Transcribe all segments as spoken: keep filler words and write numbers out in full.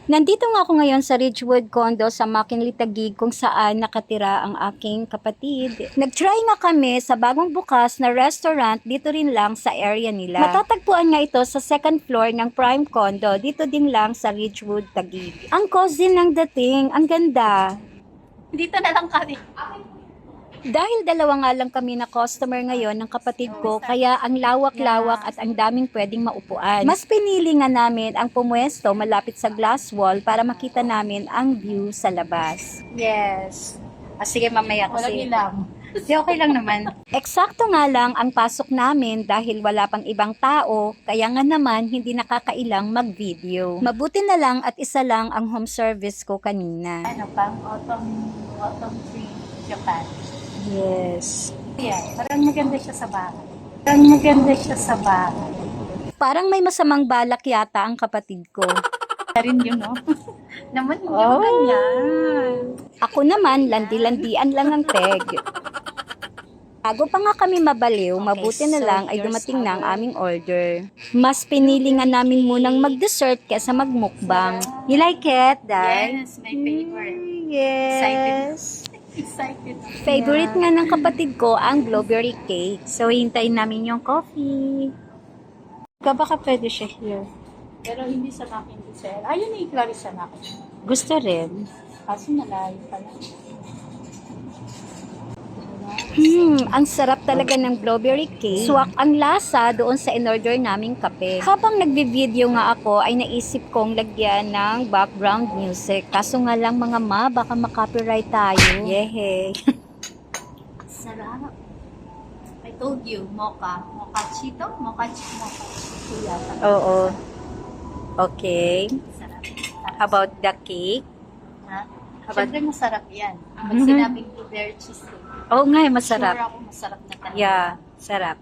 Nandito nga ako ngayon sa Ridgewood Condo sa McKinley Taguig kung saan nakatira ang aking kapatid. Nag-try nga kami sa bagong bukas na restaurant dito rin lang sa area nila. Matatagpuan nga ito sa second floor ng Prime Condo dito din lang sa Ridgewood Taguig. Ang cozy ng dating, ang ganda. Dito na lang kami. Dahil dalawa nga lang kami na customer ngayon ng kapatid ko, kaya ang lawak-lawak at ang daming pwedeng maupuan. Mas pinili nga namin ang pumuesto malapit sa glass wall para makita namin ang view sa labas. Yes. Ah, sige, mamaya Walang kasi. ilang. Di, okay lang naman. Eksakto nga lang ang pasok namin dahil wala pang ibang tao, kaya nga naman hindi nakakailang mag-video. Mabuti na lang at isa lang ang home service ko kanina. Ano pang autumn, autumn tree Japan. Yes. Yeah, parang maganda siya sa bahay. Parang maganda siya sa bahay. Parang may masamang balak yata ang kapatid ko. Rin yun, no? Naman, hindi Oh. mo ganyan. Ako naman, landi-landian lang ang peg. Bago pa nga kami mabaliw, mabuti na so lang ay here's dumating na ang our- aming order. Mas pinili nga namin munang mag-dessert kesa magmukbang. You like it, Dad? Yes, my favorite. Yes. Excited. Favorite nga ng kapatid ko ang blueberry cake. So, hintayin namin yung coffee. Baka pwede siya here. Pero hindi sa akin diesel. Ayun ni Clarissa na ako. Gusto rin. Kaso malayo pala. Hmm, ang sarap talaga ng blueberry cake. Swak ang lasa doon sa in-order naming kape. Habang nagbi-video nga ako ay naisip kong lagyan ng background music. Kaso nga lang mga ma, baka makopyright tayo. Yehey. Sarap. I told you, mocha. Mocha chito? Mocha chito. Mocha chito yata. Oo. Okay. Sarap. How about the cake? Ha? About- Siyempre masarap yan. Pag Mhm. sinabing blueberry cheesecake, Oo nga, masarap. sure ako masarap na talaga. Yeah, sarap.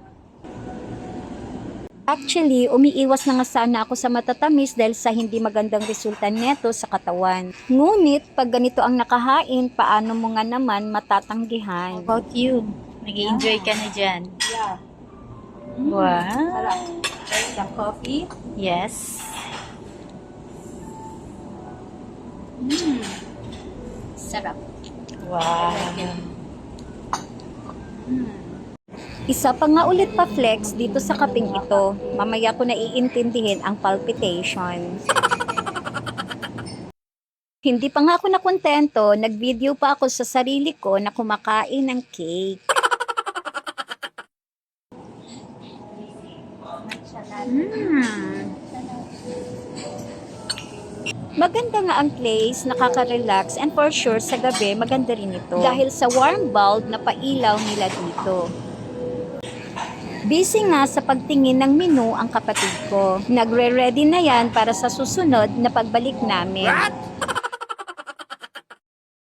Actually, umiiwas na nga sana ako sa matatamis dahil sa hindi magandang resulta neto sa katawan. Ngunit, pag ganito ang nakahain, paano mo nga naman matatanggihan? How about you? Nag-i-enjoy ka na dyan. Yeah. Wow. Sarap. The coffee? Yes. Mm. Sarap. Wow. Mm. Isa pa nga ulit pa flex dito sa kaping ito. Mamaya ko na iintindihin ang palpitation. Hindi pa nga ako nakontento, nag-video pa ako sa sarili ko na kumakain ng cake. Mm. Maganda nga ang place, nakaka-relax, and for sure sa gabi maganda rin ito. Dahil sa warm bulb na pailaw nila dito. Busy nga sa pagtingin ng menu ang kapatid ko. Nagre-ready na yan para sa susunod na pagbalik namin.